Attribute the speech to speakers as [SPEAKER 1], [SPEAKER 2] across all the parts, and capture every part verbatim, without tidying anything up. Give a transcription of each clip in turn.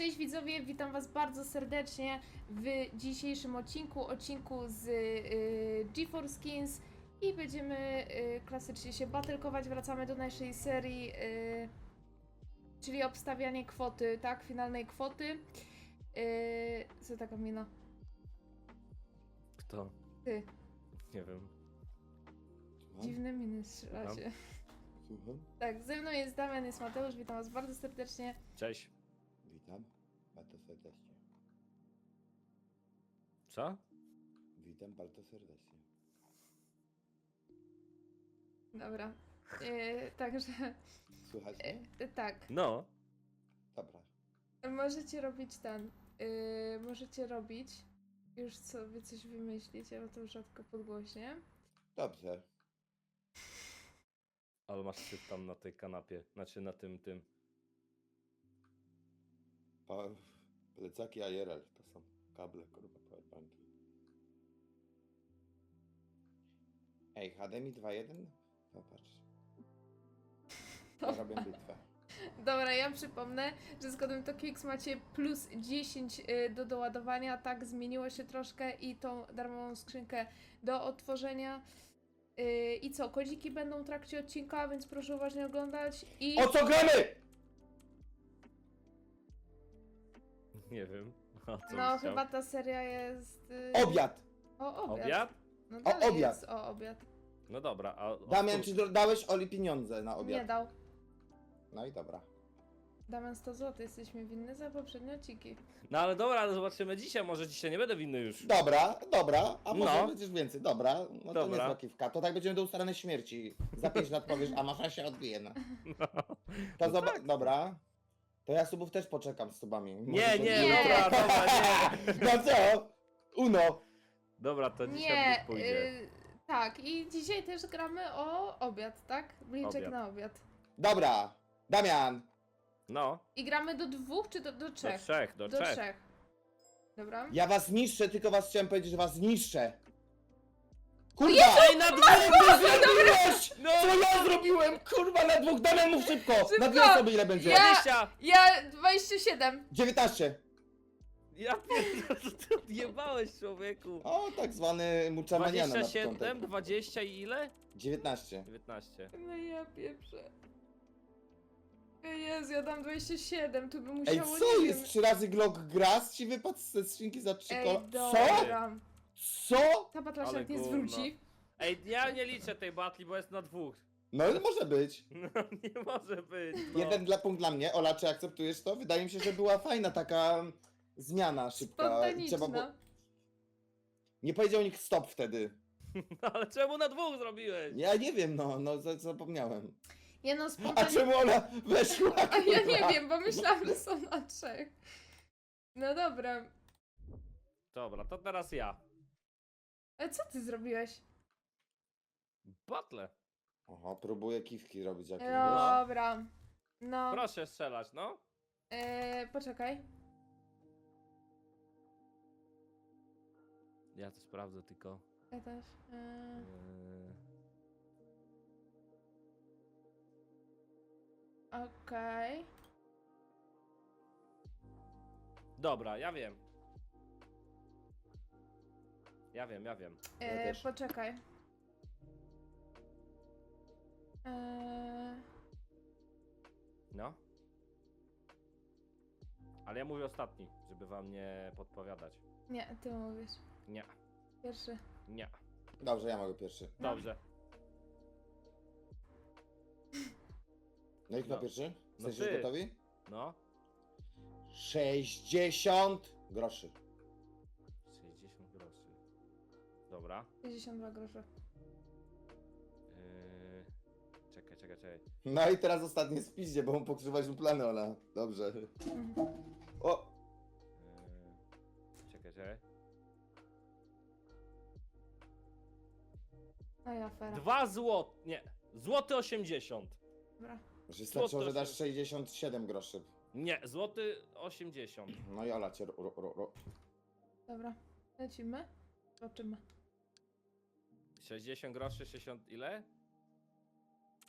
[SPEAKER 1] Cześć widzowie, witam was bardzo serdecznie w dzisiejszym odcinku, odcinku z y, GeForce Skins i będziemy y, klasycznie się battlekować, wracamy do naszej serii, y, czyli obstawianie kwoty, tak, finalnej kwoty. Y, co taka mina?
[SPEAKER 2] Kto?
[SPEAKER 1] Ty,
[SPEAKER 2] Nie wiem.
[SPEAKER 1] dziwne miny strzelacie.
[SPEAKER 3] Słucham?
[SPEAKER 1] Tak, ze mną jest Damian, jest Mateusz, witam was bardzo serdecznie.
[SPEAKER 2] Cześć.
[SPEAKER 3] Witam bardzo serdecznie.
[SPEAKER 2] Co?
[SPEAKER 3] Witam bardzo serdecznie.
[SPEAKER 1] Dobra, y, także,
[SPEAKER 3] Słychać mnie?
[SPEAKER 1] y, tak.
[SPEAKER 2] No.
[SPEAKER 3] Dobra.
[SPEAKER 1] Możecie robić ten. Yy, możecie robić. Już sobie coś wymyślić, ja to rzadko podgłośnie.
[SPEAKER 3] Dobrze.
[SPEAKER 2] Ale masz syf tam na tej kanapie. Znaczy na tym, tym.
[SPEAKER 3] Pa... Plecaki I R L to są kable, kurwa, powerbanki. Ej, H D M I dwa jeden? Popatrz. Robię bitwę.
[SPEAKER 1] Dobra, ja przypomnę, że z kodem TOKIX macie plus dziesięć yy, do doładowania. Tak, zmieniło się troszkę i tą darmową skrzynkę do odtworzenia. Yy, I co? Kodziki będą w trakcie odcinka, więc proszę uważnie oglądać. I.
[SPEAKER 3] O co gramy?!
[SPEAKER 2] Nie wiem. A co
[SPEAKER 1] No,
[SPEAKER 2] byś chciał?
[SPEAKER 1] chyba ta seria jest. Yy...
[SPEAKER 3] Obiad!
[SPEAKER 1] O, obiad.
[SPEAKER 2] Obiad?
[SPEAKER 1] No,
[SPEAKER 3] O,
[SPEAKER 1] dalej
[SPEAKER 3] obiad.
[SPEAKER 1] Jest o obiad.
[SPEAKER 2] No dobra, a...
[SPEAKER 3] Damian,
[SPEAKER 2] odpór-
[SPEAKER 3] czy do- dałeś Oli pieniądze na
[SPEAKER 1] Nie
[SPEAKER 3] obiad?
[SPEAKER 1] dał.
[SPEAKER 3] No i dobra.
[SPEAKER 1] Damian sto złotych, jesteśmy winny za poprzednie odcinki.
[SPEAKER 2] No ale dobra, ale zobaczymy dzisiaj. Może dzisiaj nie będę winny już.
[SPEAKER 3] Dobra, dobra, a może
[SPEAKER 2] No.
[SPEAKER 3] będziesz więcej. Dobra, no to
[SPEAKER 2] Dobra.
[SPEAKER 3] nie jest kiwka. To tak będziemy do ustaranej śmierci. Za pięć lat powiesz, a masza się odbije. No.
[SPEAKER 2] No.
[SPEAKER 3] To
[SPEAKER 2] No
[SPEAKER 3] zoba-
[SPEAKER 2] tak.
[SPEAKER 3] Dobra. To ja subów też poczekam z subami. Może
[SPEAKER 2] Nie,
[SPEAKER 3] się
[SPEAKER 2] nie,
[SPEAKER 3] odbije.
[SPEAKER 2] dobra, dobra, nie.
[SPEAKER 3] No co? Uno.
[SPEAKER 2] Dobra, to dzisiaj
[SPEAKER 1] Nie,
[SPEAKER 2] pójdzie.
[SPEAKER 1] y, tak, i dzisiaj też gramy o obiad, tak? Bliczek
[SPEAKER 2] Obiad.
[SPEAKER 1] na obiad.
[SPEAKER 3] Dobra. Damian.
[SPEAKER 2] No,
[SPEAKER 1] I gramy do dwóch czy do, do
[SPEAKER 2] do
[SPEAKER 1] trzech?
[SPEAKER 2] trzech, do,
[SPEAKER 1] do
[SPEAKER 2] trzech.
[SPEAKER 1] trzech. Dobra.
[SPEAKER 3] Ja was niszczę, tylko was chciałem powiedzieć, że was niszczę. Kurwa!
[SPEAKER 2] Ej, na dwóch!
[SPEAKER 3] Co zrobiłeś?
[SPEAKER 2] No!
[SPEAKER 3] Co ja zrobiłem? Kurwa, na dwóch. Damian, mów szybko.
[SPEAKER 1] Szybko.
[SPEAKER 3] Na dwie osoby ile będzie?
[SPEAKER 1] Ja-
[SPEAKER 2] dwadzieścia!
[SPEAKER 1] Ja dwadzieścia siedem.
[SPEAKER 3] dziewiętnaście.
[SPEAKER 2] Ja pierdolę, co ty odjebałeś, człowieku.
[SPEAKER 3] O, tak zwany muczamaniana na
[SPEAKER 2] dwadzieścia siedem,
[SPEAKER 3] początek.
[SPEAKER 2] dwadzieścia i ile?
[SPEAKER 3] dziewiętnaście.
[SPEAKER 2] dziewiętnaście.
[SPEAKER 1] No ja pieprzę. Jezu, ja dam dwadzieścia siedem, tu by
[SPEAKER 3] Ej,
[SPEAKER 1] musiało,
[SPEAKER 3] co
[SPEAKER 1] nie
[SPEAKER 3] jest?
[SPEAKER 1] wiem.
[SPEAKER 3] Trzy razy Glock Grass ci wypadł ze skrzynki za trzy
[SPEAKER 1] Ej,
[SPEAKER 3] kola? Co?
[SPEAKER 1] dobra.
[SPEAKER 3] Co?
[SPEAKER 1] Ta batla się
[SPEAKER 2] Ale
[SPEAKER 1] jak nie
[SPEAKER 2] gówno.
[SPEAKER 1] zwróci.
[SPEAKER 2] Ej, ja nie liczę tej batli, bo jest na dwóch.
[SPEAKER 3] No ale może być.
[SPEAKER 2] No nie może być. No.
[SPEAKER 3] Jeden dla punkt dla mnie. Ola, czy akceptujesz to? Wydaje mi się, że była fajna taka zmiana szybka.
[SPEAKER 1] Spontaniczna.
[SPEAKER 3] było- Nie powiedział nikt stop wtedy.
[SPEAKER 2] No, ale czemu na dwóch zrobiłeś?
[SPEAKER 3] Ja nie wiem, no, no za- zapomniałem.
[SPEAKER 1] Nie no,
[SPEAKER 3] A
[SPEAKER 1] spontaniczna.
[SPEAKER 3] czemu Ola weszła?
[SPEAKER 1] A ja nie
[SPEAKER 3] kurwa?
[SPEAKER 1] wiem, bo myślałam, że są na trzech. No dobra.
[SPEAKER 2] Dobra, to teraz ja.
[SPEAKER 1] Ale co ty zrobiłeś?
[SPEAKER 2] Battle.
[SPEAKER 3] Oho, próbuję kiwki robić jakieś. wiesz?
[SPEAKER 1] Dobra. No.
[SPEAKER 2] Proszę strzelać, no.
[SPEAKER 1] Eee, poczekaj.
[SPEAKER 2] Ja to sprawdzę tylko.
[SPEAKER 1] Ja też. Eee,
[SPEAKER 2] Yy,
[SPEAKER 1] Okej.
[SPEAKER 2] Dobra, ja wiem. Ja wiem, ja wiem.
[SPEAKER 3] Ja
[SPEAKER 1] Eee,
[SPEAKER 3] też.
[SPEAKER 1] poczekaj. Eee,
[SPEAKER 2] No. Ale ja mówię ostatni, żeby wam nie podpowiadać.
[SPEAKER 1] nie, ty mówisz.
[SPEAKER 2] Nie,
[SPEAKER 1] Pierwszy.
[SPEAKER 2] nie.
[SPEAKER 3] Dobrze, ja mogę pierwszy.
[SPEAKER 1] No.
[SPEAKER 2] Dobrze.
[SPEAKER 3] No i kto
[SPEAKER 2] No.
[SPEAKER 3] pierwszy?
[SPEAKER 2] No
[SPEAKER 3] Jesteście
[SPEAKER 2] ty.
[SPEAKER 3] gotowi?
[SPEAKER 2] No.
[SPEAKER 3] sześćdziesiąt groszy.
[SPEAKER 2] sześćdziesiąt groszy. Dobra.
[SPEAKER 1] sześćdziesiąt dwa grosze.
[SPEAKER 2] Yy... Czekaj, czekaj, czekaj.
[SPEAKER 3] No i teraz ostatnie spiździe, bo mu pokrzywać mu plany, Ola. Dobrze.
[SPEAKER 1] Mhm.
[SPEAKER 3] O!
[SPEAKER 2] Yy... Czekaj, czekaj.
[SPEAKER 1] No i afera.
[SPEAKER 2] Dwa złote. Nie. Złoty osiemdziesiąt.
[SPEAKER 1] Dobra.
[SPEAKER 3] Że starczyło, że dasz
[SPEAKER 2] się-
[SPEAKER 3] sześćdziesiąt siedem groszy.
[SPEAKER 2] Nie, złoty osiemdziesiąt.
[SPEAKER 3] No i Ola cię ro, ro, ro, ro.
[SPEAKER 1] Dobra. Lecimy. Zobaczymy.
[SPEAKER 2] sześćdziesiąt groszy, sześćdziesiąt ile?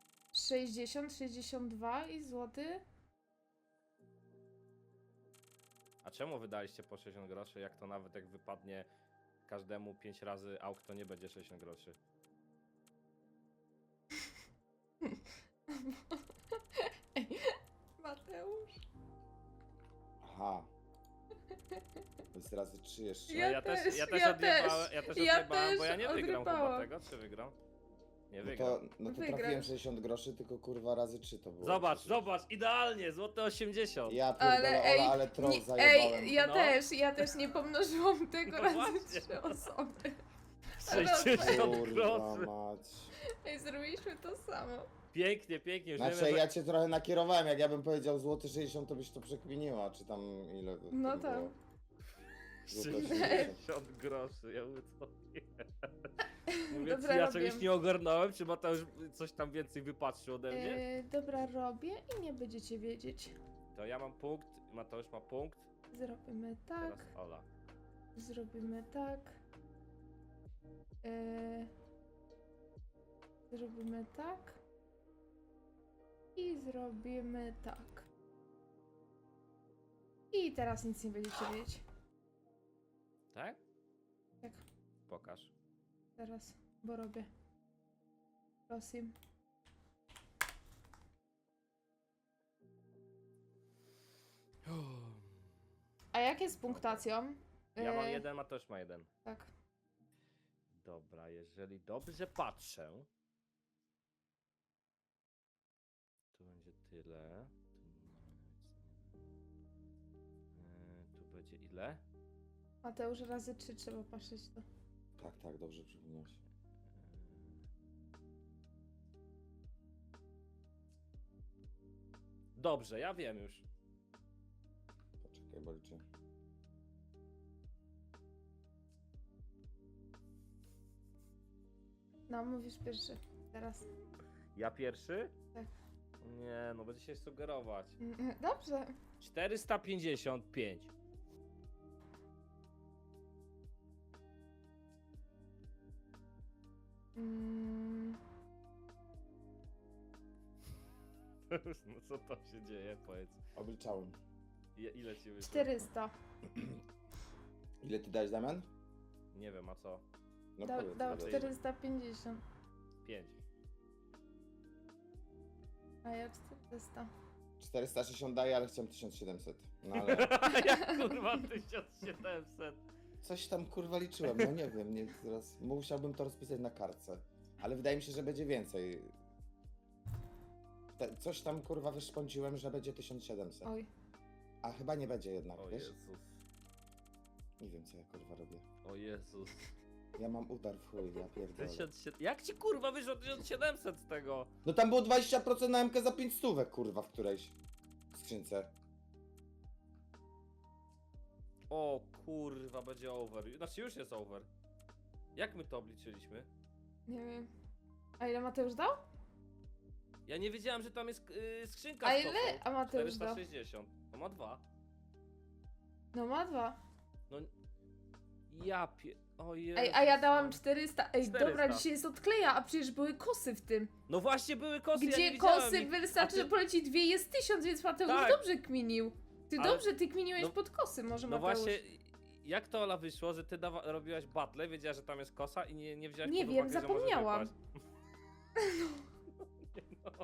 [SPEAKER 1] sześćdziesiąt, sześćdziesiąt dwa i złoty.
[SPEAKER 2] A czemu wydaliście po sześćdziesiąt groszy, jak to nawet jak wypadnie każdemu pięć razy auk, to nie będzie sześćdziesiąt groszy?
[SPEAKER 1] Ej, Mateusz.
[SPEAKER 3] Aha. To jest razy trzy jeszcze.
[SPEAKER 1] Ja
[SPEAKER 2] No ja też,
[SPEAKER 1] też,
[SPEAKER 2] ja też
[SPEAKER 1] ja
[SPEAKER 2] odjebałem,
[SPEAKER 1] też,
[SPEAKER 2] ja też
[SPEAKER 1] ja
[SPEAKER 2] odjebałem, bo
[SPEAKER 1] też
[SPEAKER 2] ja nie wygram chyba
[SPEAKER 1] odrybałam.
[SPEAKER 2] tego, czy wygram? Nie
[SPEAKER 3] No
[SPEAKER 2] wygram.
[SPEAKER 3] to, no to
[SPEAKER 1] Wygrasz.
[SPEAKER 3] trafiłem sześćdziesiąt groszy, tylko kurwa razy trzy to było.
[SPEAKER 2] Zobacz,
[SPEAKER 3] przecież.
[SPEAKER 2] zobacz, idealnie, złote osiemdziesiąt.
[SPEAKER 3] Ja pierdolę,
[SPEAKER 1] Ale
[SPEAKER 3] Ola,
[SPEAKER 1] ej,
[SPEAKER 3] ale troll
[SPEAKER 1] nie,
[SPEAKER 3] zajebałem.
[SPEAKER 1] ej, ja
[SPEAKER 2] No.
[SPEAKER 1] też, ja też nie pomnożyłam tego
[SPEAKER 2] No
[SPEAKER 1] razy
[SPEAKER 2] właśnie.
[SPEAKER 1] trzy osoby.
[SPEAKER 2] sześćdziesiąt
[SPEAKER 3] Kurwa
[SPEAKER 2] groszy.
[SPEAKER 3] mać.
[SPEAKER 1] Ej, zrobiliśmy to samo.
[SPEAKER 2] Pięknie, pięknie, już
[SPEAKER 3] Znaczy
[SPEAKER 2] wiemy, że...
[SPEAKER 3] ja cię trochę nakierowałem, jak ja bym powiedział złoty sześćdziesiąt, to byś to przekminiła, czy tam ile to
[SPEAKER 1] No
[SPEAKER 3] było.
[SPEAKER 1] tak.
[SPEAKER 3] Złote
[SPEAKER 2] sześćdziesiąt groszy, ja mówię co nie. Mówię,
[SPEAKER 1] Dobra,
[SPEAKER 2] czy ja
[SPEAKER 1] robię.
[SPEAKER 2] czegoś nie ogarnąłem, czy Mateusz coś tam więcej wypatrzył ode mnie?
[SPEAKER 1] Yy, dobra, robię i nie będziecie wiedzieć.
[SPEAKER 2] To ja mam punkt, Mateusz ma punkt,
[SPEAKER 1] Zrobimy tak,
[SPEAKER 2] teraz Ola.
[SPEAKER 1] zrobimy tak. Yy, zrobimy tak. I zrobimy tak. I teraz nic nie będziecie wiedzieć.
[SPEAKER 2] Tak?
[SPEAKER 1] Tak,
[SPEAKER 2] Pokaż.
[SPEAKER 1] teraz, bo robię. Prosim. A jak jest z punktacją?
[SPEAKER 2] Ja mam
[SPEAKER 1] Yy,
[SPEAKER 2] jeden, Mateusz ma jeden.
[SPEAKER 1] Tak.
[SPEAKER 2] Dobra, jeżeli dobrze patrzę, tu będzie tyle. Tu, nie- yy, tu będzie ile?
[SPEAKER 1] Mateusz, razy trzy trzeba patrzeć to.
[SPEAKER 3] Tak, tak, dobrze przypomniałeś.
[SPEAKER 2] Dobrze, ja wiem już.
[SPEAKER 3] Poczekaj, bo liczę.
[SPEAKER 1] No, mówisz pierwszy. Teraz.
[SPEAKER 2] Ja pierwszy?
[SPEAKER 1] Tak.
[SPEAKER 2] Nie, no będzie się sugerować.
[SPEAKER 1] Mm, Dobrze.
[SPEAKER 2] czterysta pięćdziesiąt pięć.
[SPEAKER 1] Mm,
[SPEAKER 2] No co tam się dzieje, powiedz.
[SPEAKER 3] Obliczałem.
[SPEAKER 2] I, ile ci wyszło?
[SPEAKER 1] czterysta.
[SPEAKER 3] Ile ty dałeś, Damian?
[SPEAKER 2] Nie wiem, a co?
[SPEAKER 3] No
[SPEAKER 1] Dał,
[SPEAKER 3] powiedz,
[SPEAKER 1] dał
[SPEAKER 3] ile.
[SPEAKER 1] czterysta pięćdziesiąt.
[SPEAKER 2] pięć.
[SPEAKER 1] A ja czterysta.
[SPEAKER 3] czterysta sześćdziesiąt daję, ale chciałem tysiąc siedemset. No ale
[SPEAKER 2] Jak kurwa tysiąc siedemset.
[SPEAKER 3] coś tam kurwa liczyłem, no nie wiem, nie, teraz musiałbym to rozpisać na kartce. Ale wydaje mi się, że będzie więcej. Te, coś tam kurwa wyszpąciłem, że będzie tysiąc siedemset.
[SPEAKER 1] Oj.
[SPEAKER 3] A chyba nie będzie jednak,
[SPEAKER 2] O
[SPEAKER 3] wiesz?
[SPEAKER 2] Jezus.
[SPEAKER 3] Nie wiem co ja kurwa robię.
[SPEAKER 2] O Jezus.
[SPEAKER 3] Ja mam udar w chuj, ja pierdolę.
[SPEAKER 2] tysiąc siedemset. Jak ci kurwa wyszło tysiąc siedemset z tego?
[SPEAKER 3] No tam było dwadzieścia procent na M K za pięć stówek kurwa w którejś skrzynce.
[SPEAKER 2] O kurwa, będzie over. Znaczy już jest over. Jak my to obliczyliśmy?
[SPEAKER 1] Nie wiem. A ile Mateusz dał?
[SPEAKER 2] Ja nie wiedziałem, że tam jest yy, skrzynka
[SPEAKER 1] A
[SPEAKER 2] z
[SPEAKER 1] ile?
[SPEAKER 2] kosą.
[SPEAKER 1] A Mateusz
[SPEAKER 2] czterysta
[SPEAKER 1] dał?
[SPEAKER 2] sześćdziesiąt. To ma dwa.
[SPEAKER 1] No ma dwa.
[SPEAKER 2] No. Ja pie... O Jezus.
[SPEAKER 1] Ej, a ja dałam czterysta. Ej,
[SPEAKER 2] czterysta.
[SPEAKER 1] dobra, dzisiaj jest odkleja, a przecież były kosy w tym.
[SPEAKER 2] No właśnie były kosy, ja
[SPEAKER 1] Gdzie
[SPEAKER 2] nie widziałem
[SPEAKER 1] kosy
[SPEAKER 2] ich.
[SPEAKER 1] wystarczy,
[SPEAKER 2] A ty-
[SPEAKER 1] że poleci dwie, jest tysiąc, więc Mateusz
[SPEAKER 2] Tak.
[SPEAKER 1] dobrze kminił. Ty
[SPEAKER 2] Ale-
[SPEAKER 1] dobrze, ty kminiłeś
[SPEAKER 2] no-
[SPEAKER 1] pod kosy, może
[SPEAKER 2] No
[SPEAKER 1] Mateusz.
[SPEAKER 2] właśnie, jak to Ola wyszło, że ty dawa- robiłaś battle, wiedziałaś, że tam jest kosa i nie, nie wzięłaś
[SPEAKER 1] Nie
[SPEAKER 2] pod
[SPEAKER 1] wiem,
[SPEAKER 2] uwagę, że może
[SPEAKER 1] zapomniałam.
[SPEAKER 2] wypaść? No.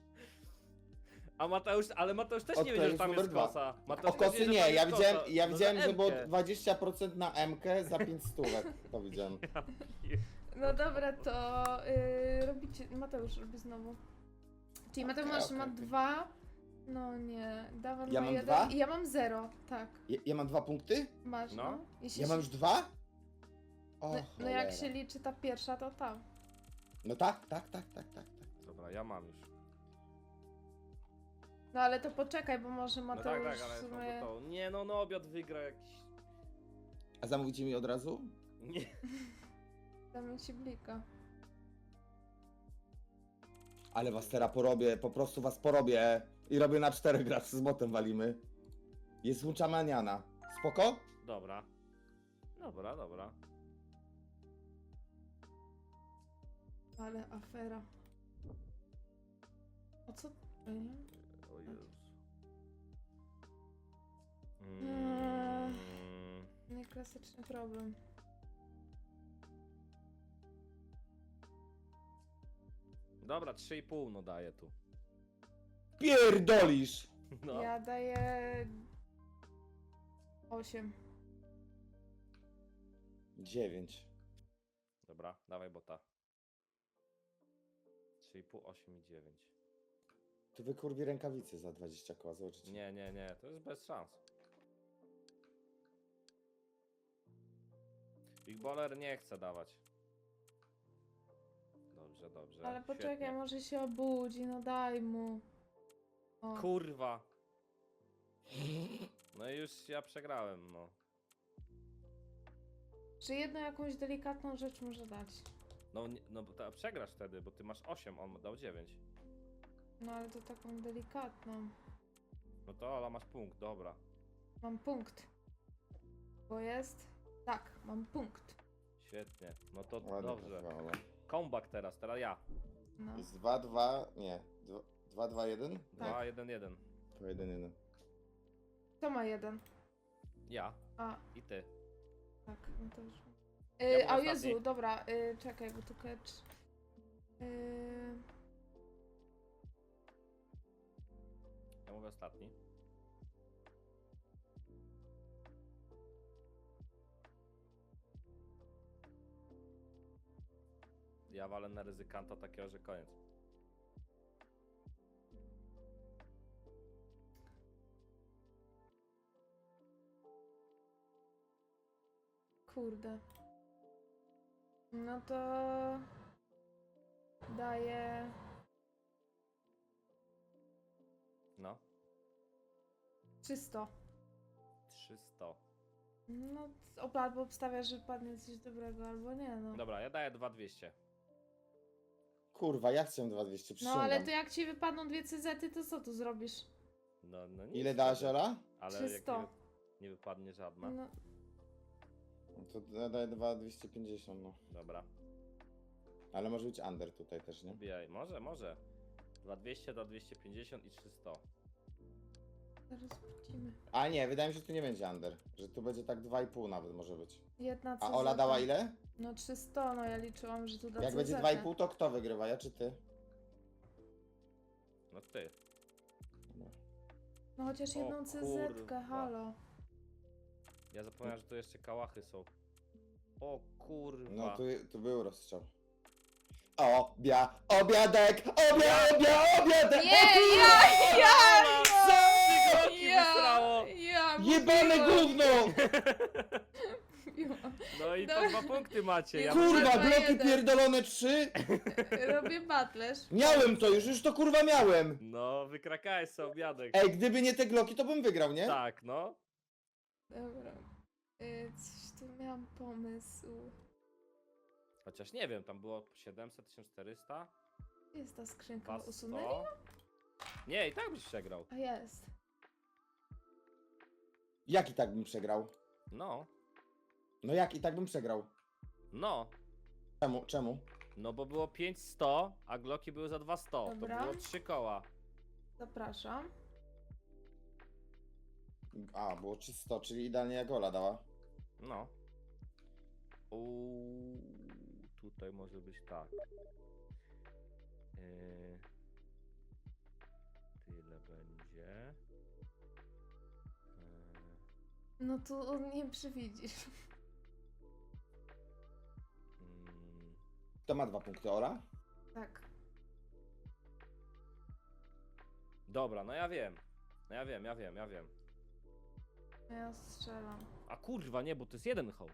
[SPEAKER 2] A Mateusz, ale Mateusz też nie
[SPEAKER 3] Okej,
[SPEAKER 2] wiedział, że tam
[SPEAKER 3] numer
[SPEAKER 2] jest
[SPEAKER 3] dwa.
[SPEAKER 2] kosa. Mateusz
[SPEAKER 3] O
[SPEAKER 2] też
[SPEAKER 3] kosy
[SPEAKER 2] wie, że
[SPEAKER 3] nie,
[SPEAKER 2] tam
[SPEAKER 3] ja
[SPEAKER 2] jest
[SPEAKER 3] widziałem,
[SPEAKER 2] kosa.
[SPEAKER 3] ja
[SPEAKER 2] No
[SPEAKER 3] widziałem,
[SPEAKER 2] za
[SPEAKER 3] że było
[SPEAKER 2] M-kę.
[SPEAKER 3] dwadzieścia procent na M K za pięć stówek. To widziałem.
[SPEAKER 1] No dobra, to yy, robicie. Mateusz robi znowu. Czyli Mateusz
[SPEAKER 3] Okej,
[SPEAKER 1] masz
[SPEAKER 3] okej,
[SPEAKER 1] ma
[SPEAKER 3] okej.
[SPEAKER 1] dwa. No nie. Dawan
[SPEAKER 3] Ja
[SPEAKER 1] ma
[SPEAKER 3] mam
[SPEAKER 1] jeden.
[SPEAKER 3] dwa?
[SPEAKER 1] I ja mam zero, tak.
[SPEAKER 3] Ja, ja mam dwa punkty?
[SPEAKER 1] Masz, no.
[SPEAKER 2] No.
[SPEAKER 1] Jeśli
[SPEAKER 3] Ja
[SPEAKER 1] się-
[SPEAKER 3] mam już dwa? O,
[SPEAKER 1] no, no jak
[SPEAKER 3] cholera.
[SPEAKER 1] się liczy ta pierwsza, to tam.
[SPEAKER 3] No tak, tak, tak, tak, tak. tak.
[SPEAKER 2] Dobra, ja mam już.
[SPEAKER 1] No ale to poczekaj, bo może
[SPEAKER 2] No
[SPEAKER 1] Mateusz
[SPEAKER 2] tak, tak, ale
[SPEAKER 1] w
[SPEAKER 2] jest
[SPEAKER 1] sumie...
[SPEAKER 2] to. Nie no, no obiad wygra jakiś...
[SPEAKER 3] A zamówicie mi od razu?
[SPEAKER 2] Nie.
[SPEAKER 1] Damy ci blika.
[SPEAKER 3] Ale was teraz porobię, po prostu was porobię. I robię na czterech grać, z botem walimy. Jest Munchamaniana. Spoko?
[SPEAKER 2] Dobra. Dobra, dobra.
[SPEAKER 1] Ale afera. O co? Ja nie wiem.
[SPEAKER 2] O Jezus.
[SPEAKER 1] Mm. klasyczny problem.
[SPEAKER 2] Dobra, trzy i pół no daję tu.
[SPEAKER 3] Pierdolisz!
[SPEAKER 2] No.
[SPEAKER 1] Ja daję... osiem.
[SPEAKER 3] dziewięć.
[SPEAKER 2] Dobra, dawaj bota. trzy i pół, osiem i dziewięć.
[SPEAKER 3] Tu wykurwi rękawice za dwadzieścia koła, zobaczycie.
[SPEAKER 2] Nie, nie, nie, to jest bez szans. Big Baller nie chce dawać. Dobrze, dobrze.
[SPEAKER 1] Ale poczekaj,
[SPEAKER 2] świetnie.
[SPEAKER 1] może się obudzi, no daj mu. O.
[SPEAKER 2] Kurwa. No i już ja przegrałem, no.
[SPEAKER 1] Czy jedną jakąś delikatną rzecz może dać?
[SPEAKER 2] No, nie- no bo ta, przegrasz wtedy, bo ty masz osiem, on dał dziewięć.
[SPEAKER 1] No ale to taką delikatną.
[SPEAKER 2] No to Ola masz punkt, dobra.
[SPEAKER 1] Mam punkt. Bo jest... Tak, mam punkt.
[SPEAKER 2] Świetnie. No to
[SPEAKER 3] Ładnie
[SPEAKER 2] dobrze.
[SPEAKER 3] trafiła, Ola.
[SPEAKER 2] Comeback teraz, teraz ja.
[SPEAKER 1] No.
[SPEAKER 3] Jest dwa dwa, nie. dwa dwa jeden?
[SPEAKER 2] dwa jeden jeden.
[SPEAKER 3] To jeden jeden.
[SPEAKER 1] Kto ma jeden?
[SPEAKER 2] Ja
[SPEAKER 1] A,
[SPEAKER 2] i ty.
[SPEAKER 1] tak, no to już.
[SPEAKER 2] Ja
[SPEAKER 1] Yy,
[SPEAKER 2] byłem
[SPEAKER 1] a
[SPEAKER 2] ostatni.
[SPEAKER 1] Jezu, dobra, yy, czekaj, bo tu catch. Yy,
[SPEAKER 2] Ja mówię ostatni. Ja walę na ryzykanta takiego, że koniec.
[SPEAKER 1] kurde. No to... Daję...
[SPEAKER 2] No.
[SPEAKER 1] trzysta.
[SPEAKER 2] trzysta.
[SPEAKER 1] No, ob- albo obstawiasz, że padnie coś dobrego, albo nie, no.
[SPEAKER 2] Dobra, ja daję dwa dwieście.
[SPEAKER 3] Kurwa, ja chcę dwa dwieście,
[SPEAKER 1] No,
[SPEAKER 3] przysięgam.
[SPEAKER 1] ale to jak ci wypadną dwie C Z-y, to co tu zrobisz?
[SPEAKER 2] No, no nic
[SPEAKER 3] Ile dałaś,
[SPEAKER 2] wtedy.
[SPEAKER 3] Ola?
[SPEAKER 2] Ale jak nie,
[SPEAKER 1] trzysta.
[SPEAKER 2] wy- nie wypadnie żadna.
[SPEAKER 1] No,
[SPEAKER 3] No to ja daję dwa dwieście pięćdziesiąt, no.
[SPEAKER 2] Dobra,
[SPEAKER 3] Ale może być under tutaj też, nie?
[SPEAKER 2] wbijaj. Może, może. dwa dwieście, dwa dwieście pięćdziesiąt i trzysta.
[SPEAKER 1] zaraz wrócimy.
[SPEAKER 3] A nie, wydaje mi się, że tu nie będzie under. Że tu będzie tak dwa i pół nawet może być.
[SPEAKER 1] Jedna C Z.
[SPEAKER 3] A Ola dała ile?
[SPEAKER 1] No trzysta, no ja liczyłam, że tu da
[SPEAKER 3] Jak
[SPEAKER 1] C Z.
[SPEAKER 3] będzie dwa i pół, to kto wygrywa, ja czy ty?
[SPEAKER 2] No ty.
[SPEAKER 3] Dobra.
[SPEAKER 1] No chociaż
[SPEAKER 2] O
[SPEAKER 1] jedną C Z-kę,
[SPEAKER 2] kurwa.
[SPEAKER 1] halo.
[SPEAKER 2] Ja zapomniałem, że tu jeszcze kałachy są. O kurwa.
[SPEAKER 3] No tu, tu był rozstrzał. Obia, obiadek, obia, obia, obiadek!
[SPEAKER 1] Nie,
[SPEAKER 3] O
[SPEAKER 1] ja,
[SPEAKER 3] kurwa!
[SPEAKER 1] ja,
[SPEAKER 3] Co?
[SPEAKER 2] Trzy kroki wysrało!
[SPEAKER 1] ja,
[SPEAKER 3] Jebane
[SPEAKER 1] mówiłam,
[SPEAKER 3] gówno!
[SPEAKER 1] mówiłam.
[SPEAKER 2] No i po
[SPEAKER 1] Dobra.
[SPEAKER 2] dwa punkty macie. Ja
[SPEAKER 3] Kurwa,
[SPEAKER 1] Dwa,
[SPEAKER 3] bloki
[SPEAKER 1] jeden.
[SPEAKER 3] pierdolone trzy?
[SPEAKER 1] Robię batlerz.
[SPEAKER 3] Miałem to już, już to kurwa miałem!
[SPEAKER 2] No, wykrakałeś sobie obiadek.
[SPEAKER 3] Ej, gdyby nie te gloki, to bym wygrał, nie?
[SPEAKER 2] Tak, no.
[SPEAKER 1] Dobra. Y, coś tu miałam pomysł.
[SPEAKER 2] Chociaż nie wiem, tam było siedemset, tysiąc czterysta.
[SPEAKER 1] Gdzie jest ta skrzynka?
[SPEAKER 2] dwa
[SPEAKER 1] Usunęli?
[SPEAKER 2] sto. Nie, i tak byś przegrał.
[SPEAKER 1] A jest.
[SPEAKER 3] Jak i tak bym przegrał?
[SPEAKER 2] No,
[SPEAKER 3] No jak i tak bym przegrał?
[SPEAKER 2] no.
[SPEAKER 3] Czemu? Czemu?
[SPEAKER 2] No bo było pięć sto, a gloki były za dwieście. To
[SPEAKER 1] Dobra.
[SPEAKER 2] było trzy koła.
[SPEAKER 1] Zapraszam.
[SPEAKER 3] A, było trzysta, czyli idealnie jak Ola dała.
[SPEAKER 2] No. Uuu, tutaj może być tak. Yy, tyle będzie. Yy,
[SPEAKER 1] No tu nie przewidzisz.
[SPEAKER 2] mm,
[SPEAKER 3] Kto ma dwa punkty, Ola?
[SPEAKER 1] Tak.
[SPEAKER 2] dobra, no ja wiem. No ja wiem, ja wiem, ja wiem.
[SPEAKER 1] Ja strzelam.
[SPEAKER 2] A kurwa, nie, bo to jest jeden hoł.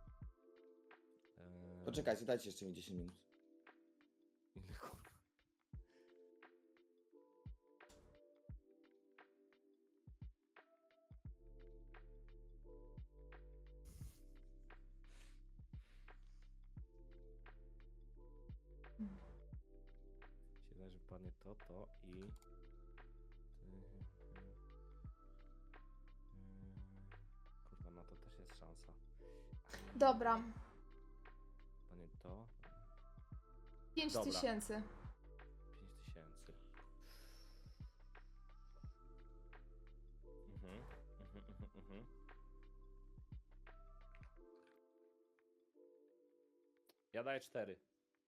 [SPEAKER 2] Yy,
[SPEAKER 3] Poczekajcie, dajcie jeszcze mi dziesięć minut.
[SPEAKER 2] kurwa. Się wydaje, że padnie to, to i... Kurwa, na to też jest szansa.
[SPEAKER 1] Dobra.
[SPEAKER 2] Panie to...
[SPEAKER 1] Pięć
[SPEAKER 2] Dobra.
[SPEAKER 1] tysięcy.
[SPEAKER 2] pięć tysięcy. Mhm, mhm, mhm, mhm. Ja daję cztery.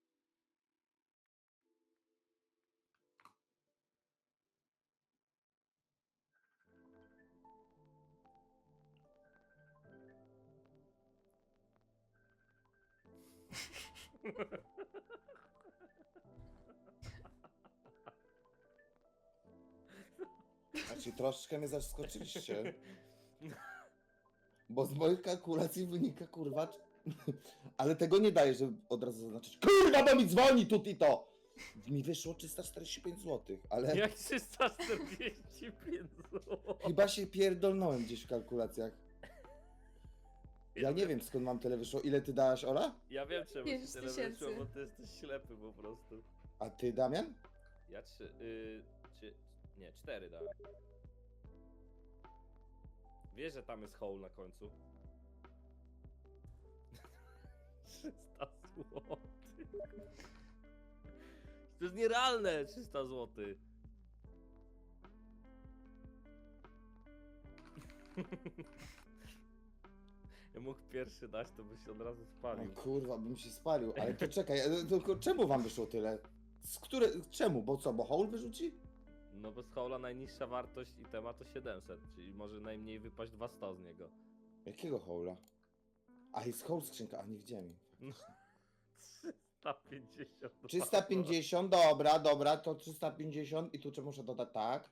[SPEAKER 3] Znaczy, troszkę mnie zaskoczyliście. Bo z moich kalkulacji wynika, kurwa... Ale tego nie daje, żeby od razu zaznaczyć. Kurwa, bo mi dzwoni tu i to! Mi wyszło trzysta czterdzieści pięć złotych, ale
[SPEAKER 2] Jak trzysta czterdzieści pięć złotych.
[SPEAKER 3] chyba się pierdolnąłem gdzieś w kalkulacjach. Ja nie wiem, skąd mam tyle wyszło. Ile ty dałaś, Ola?
[SPEAKER 2] Ja wiem czemu
[SPEAKER 1] Pięć
[SPEAKER 2] ci tyle
[SPEAKER 1] tysięcy.
[SPEAKER 2] wyszło, bo ty jesteś ślepy po prostu.
[SPEAKER 3] A ty, Damian?
[SPEAKER 2] Ja trzy, y, trzy, nie, cztery dałem. Wiesz, że tam jest hole na końcu? trzysta złotych. To jest nierealne, trzysta złotych. Ja mógł pierwszy dać, to byś od razu
[SPEAKER 3] No,
[SPEAKER 2] spalił.
[SPEAKER 3] kurwa, bym się spalił. Ale to czekaj, e, tylko czemu wam wyszło tyle? Z które, czemu? Bo co, bo Hole wyrzuci?
[SPEAKER 2] No bo z hola najniższa wartość itema to siedemset, czyli może najmniej wypaść dwieście z niego.
[SPEAKER 3] Jakiego Hole'a? A, jest Hole skrzynka, a nie widziałem.
[SPEAKER 2] No. trzysta pięćdziesiąt.
[SPEAKER 3] trzysta pięćdziesiąt, dobra, dobra, to trzysta pięćdziesiąt i tu czy muszę dodać tak?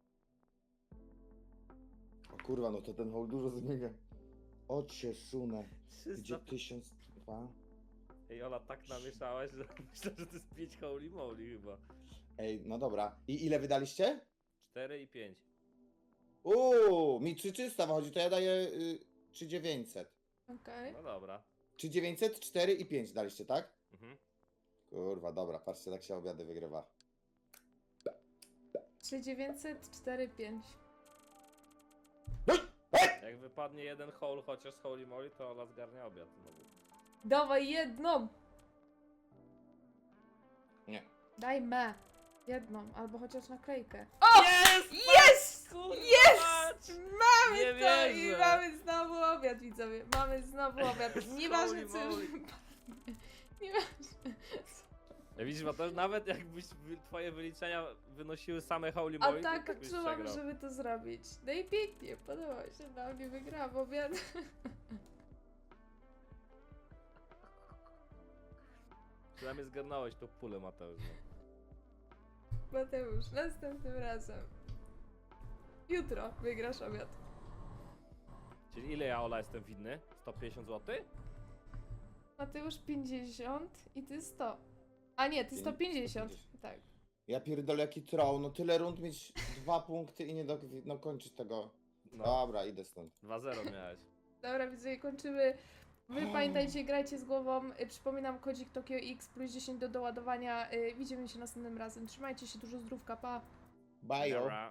[SPEAKER 3] O kurwa, no to ten Hole dużo zmienia. O cię sunę. Gdzie
[SPEAKER 2] trzysta...
[SPEAKER 3] tysiąc dwa?
[SPEAKER 2] Ej, Ola, tak namieszałaś, że myślę, że to jest pięć holy moly chyba.
[SPEAKER 3] Ej, no dobra. I ile wydaliście?
[SPEAKER 2] cztery i pięć.
[SPEAKER 3] Uuu, mi trzy trzysta wychodzi, to ja daję y, trzy tysiące dziewięćset.
[SPEAKER 1] Okej.
[SPEAKER 2] No dobra.
[SPEAKER 3] trzy tysiące dziewięćset, cztery i pięć daliście, tak?
[SPEAKER 2] Mhm.
[SPEAKER 3] Kurwa, dobra, patrzcie, tak się obiady wygrywa.
[SPEAKER 1] trzy dziewięćset, cztery pięć.
[SPEAKER 2] Jak wypadnie jeden hole chociaż z holy moly, to Ola zgarnia obiad znowu.
[SPEAKER 1] Dawaj jedną!
[SPEAKER 3] Nie.
[SPEAKER 1] Daj me. Jedną, albo chociaż naklejkę. O!
[SPEAKER 2] Jest!
[SPEAKER 1] Jest!
[SPEAKER 2] Kurwa,
[SPEAKER 1] Jest!
[SPEAKER 2] mać!
[SPEAKER 1] Mamy
[SPEAKER 2] Nie
[SPEAKER 1] to i
[SPEAKER 2] wierzę.
[SPEAKER 1] mamy znowu obiad, widzowie. Mamy znowu obiad.
[SPEAKER 2] Z
[SPEAKER 1] Nieważne co
[SPEAKER 2] holy
[SPEAKER 1] już
[SPEAKER 2] moly.
[SPEAKER 1] wypadnie. Nieważne.
[SPEAKER 2] Ja widzisz, Mateusz, nawet jakbyś wy- twoje wyliczenia wynosiły same holy
[SPEAKER 1] A
[SPEAKER 2] moly, to
[SPEAKER 1] tak
[SPEAKER 2] byś
[SPEAKER 1] czułam,
[SPEAKER 2] przegrał.
[SPEAKER 1] żeby to zrobić. No i pięknie, podoba się na mnie, wygrałam obiad.
[SPEAKER 2] Przynajmniej zgarnąłeś tą pulę, Mateusz. No.
[SPEAKER 1] Mateusz, następnym razem. Jutro wygrasz obiad.
[SPEAKER 2] Czyli ile ja, Ola, jestem winny? sto pięćdziesiąt złotych?
[SPEAKER 1] Mateusz pięćdziesiąt i ty sto. A nie, ty sto pięćdziesiąt. Tak.
[SPEAKER 3] Ja pierdolę jaki troll, no tyle rund mieć dwa punkty i nie do, no kończyć tego.
[SPEAKER 2] No,
[SPEAKER 3] Dobra, idę stąd.
[SPEAKER 2] dwa zero miałeś.
[SPEAKER 1] Dobra, widzowie, kończymy. Wy pamiętajcie, grajcie z głową. Y, Przypominam, kodzik Tokio X plus dziesięć do doładowania. Y, Widzimy się następnym razem. Trzymajcie się, dużo zdrówka, pa!
[SPEAKER 3] Bye.
[SPEAKER 2] Dobra.